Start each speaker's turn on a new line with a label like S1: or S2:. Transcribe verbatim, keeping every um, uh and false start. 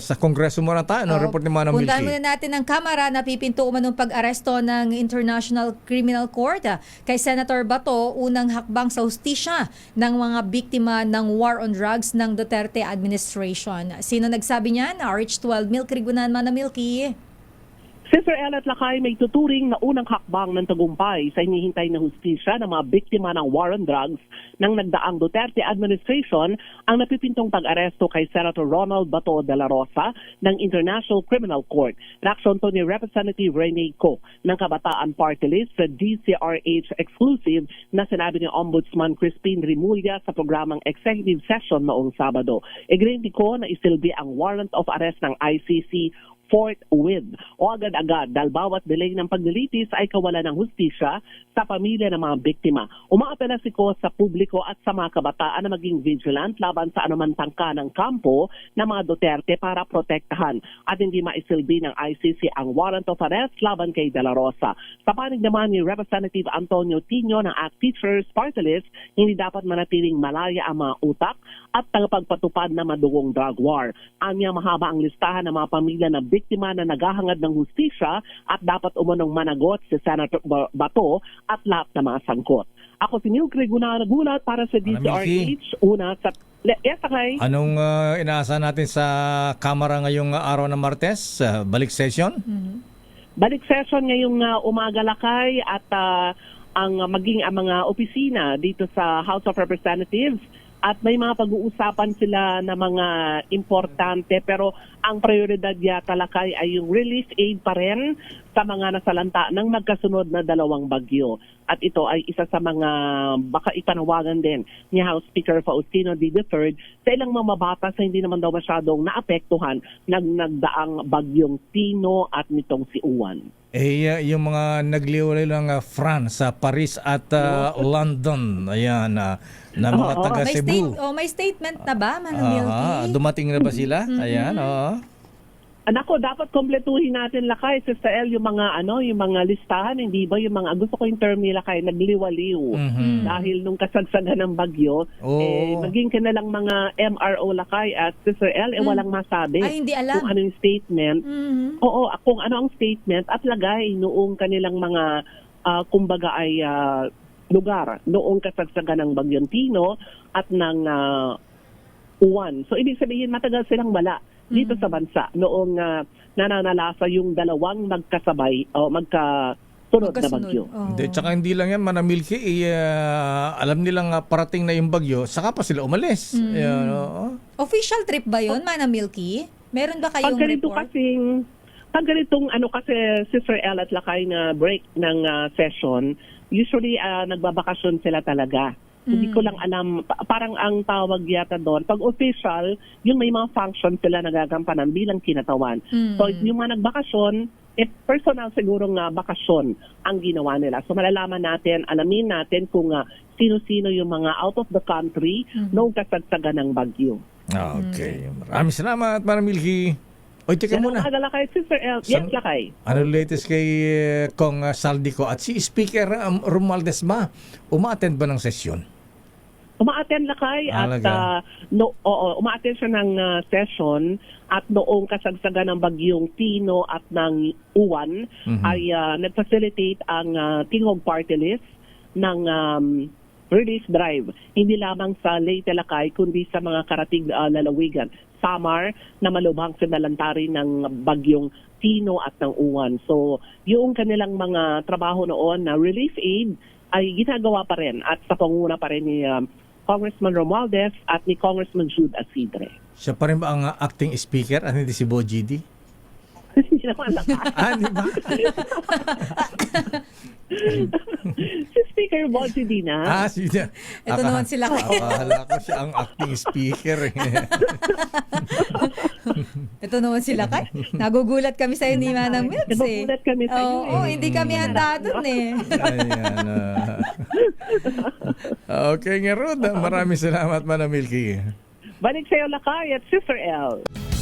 S1: sa Kongreso muna tayo. Ano,
S2: Oo.
S1: report ni Manang Milky.
S2: Puntahan muna natin ang Kamara na pipinto umanong pag-aresto ng International Criminal Court ah, kay Senator Bato, unang hakbang sa hustisya ng mga biktima ng war on drugs ng Duterte administration. Sino nagsabi niyan? R H twelve, Milky Rigunan, Manang Milky.
S3: Sister El at Lakay may tuturing na unang hakbang ng tagumpay sa hinihintay na hustisya ng mga biktima ng war on drugs ng nagdaang Duterte administration ang napipintong pag-aresto kay Senator Ronald Bato de la Rosa ng International Criminal Court. Reaksyon to ni Representative Rene Co ng Kabataan Party List sa D C R H exclusive na sinabi ni Ombudsman Crispin Rimulya sa programang executive session noong Sabado. Igrinti ko na isilbi ang warrant of arrest ng I C C forthwith o agad-agad dahil bawat delay ng paglilitis ay kawalan ng hustisya sa pamilya ng mga biktima. Umaapela si Ko sa publiko at sa mga kabataan na maging vigilant laban sa anumang tangka ng kampo ng mga Duterte para protektahan at hindi maisilbi ng I C C ang warrant of arrest laban kay De La Rosa. Sa panig naman ni Representative Antonio Tino ng A C T Teachers Party List, hindi dapat manatiling malaya ang mga utak at tagapagpatupad na madugong drug war. Anya mahaba ang listahan ng mga pamilya na biktima na naghahangad ng hustisya at dapat umunong managot si Senator Bato at lahat ng mga sangkot. Ako si Milky Rigunan nagulat para sa D C R H. Una sa... Yes, okay.
S1: Anong uh, inaasahan natin sa Kamara ngayong araw ng Martes? Uh, balik session?
S2: Mm-hmm.
S3: Balik session ngayong uh, umaga, Lakay, at uh, ang uh, maging ang mga opisina dito sa House of Representatives. At may mga pag-uusapan sila na mga importante pero ang prioridad yata, Lakay, ay yung relief aid pa rin sa mga nasalanta ng magkasunod na dalawang bagyo. At ito ay isa sa mga baka ipanawagan din ni House Speaker Faustino D. the third sa ilang mamabata sa hindi naman daw masyadong naapektuhan ng nagdaang bagyong Tino at nitong si Uwan.
S1: Eh, uh, yung mga nagliwalay lang uh, France, sa Paris at uh, London, ayan, uh, na mga
S3: Oo,
S1: taga
S2: May,
S1: Cebu.
S2: state, oh, may statement na ba, Manang Milky?
S1: Ah, dumating na ba sila? Ayan, oo.
S3: Anako, dapat kompletuhin natin, Lakay, Sister El, yung mga ano, yung mga listahan, hindi ba yung mga gusto ko yung term nila kay nagliwaliw.
S1: Mhm.
S3: Dahil nung kasagsagan ng bagyo,
S1: Oo.
S3: eh maging ka na lang mga M R O, Lakay, at Sister El, eh walang masabi.
S2: Ay, hindi alam.
S3: Kung ano yung statement.
S2: Mhm.
S3: Oo, kung ano ang statement at lagay noong kanilang mga ah, kumbaga ay ah, lugar noong kasagsagan ng bagyong Tino at ng ah, Uwan. So ibig sabihin matagal silang wala dito sa bansa noong uh, nananalasa yung dalawang magkasabay o magkasunod na
S2: Magkasunod.
S3: bagyo.
S2: Oh.
S1: Hindi, tsaka hindi lang yan, Manang Milky, eh, uh, alam nilang uh, parating na yung bagyo, saka pa sila umalis.
S2: Mm.
S1: Ayan, oo.
S2: Official trip ba yun, Manang Milky? Meron ba kayong
S3: Pag ganito
S2: report?
S3: kasing, pag ganitong ano kasi Sister El at Lakay na break ng uh, session, usually uh, nagbabakasyon sila talaga. Hindi ko lang alam, pa- parang ang tawag yata doon. Pag official, yung may mga function sila nagagampanan bilang kinatawan.
S2: Mm.
S3: So yung mga nagbakasyon, eh, personal siguro nga bakasyon ang ginawa nila. So malalaman natin, alamin natin kung uh, sino-sino yung mga out of the country noong kasagsagan ng bagyo.
S1: Okay. Maraming salamat, Manang Milky. Oy, teka
S3: Yan
S1: muna.
S3: ang agala kay Sister El. Yes,
S1: San-
S3: Lakay.
S1: Ano latest kay uh, Kong uh, Saldico at si Speaker um, Romualdez ba? Uma-attend ba ng sesyon?
S3: Umaattend Lakay at
S1: Alaga.
S3: uh, no, oo, umaattend siya ng uh, session at noong kasagsagan ng bagyong Tino at ng Uwan
S1: Mhm.
S3: ay uh, nag-facilitate ang uh, Tingog Party List ng um, relief drive. Hindi lamang sa Leyte, Lakay, kundi sa mga karatig uh, lalawigan. Samar na malubhang sinalantari ng bagyong Tino at ng Uwan. So, yung kanilang mga trabaho noon na relief aid ay ginagawa pa rin at sa panguna pa rin ni um, Congressman Romualdez at ni Congressman Jude Asidre.
S1: Siya pa rin ba ang uh, acting speaker at hindi si Bo G D?
S3: Hindi naman Lakay.
S1: Ah, di ba?
S3: Si Speaker Bonsi Dina.
S1: Ah, si
S2: Ito naman sila.
S1: Akala ko siya ang acting speaker. eh.
S2: Ito naman sila kay. Nagugulat kami sa iyo ni Manang Milky.
S3: Nagugulat kami sa iyo,
S2: Oo,
S3: eh.
S2: hindi kami handa dun eh.
S1: Ayan. ah. Okay nga, Rod. Maraming salamat, Manang Milky.
S3: Balik sa iyo, Lakay at Sister El.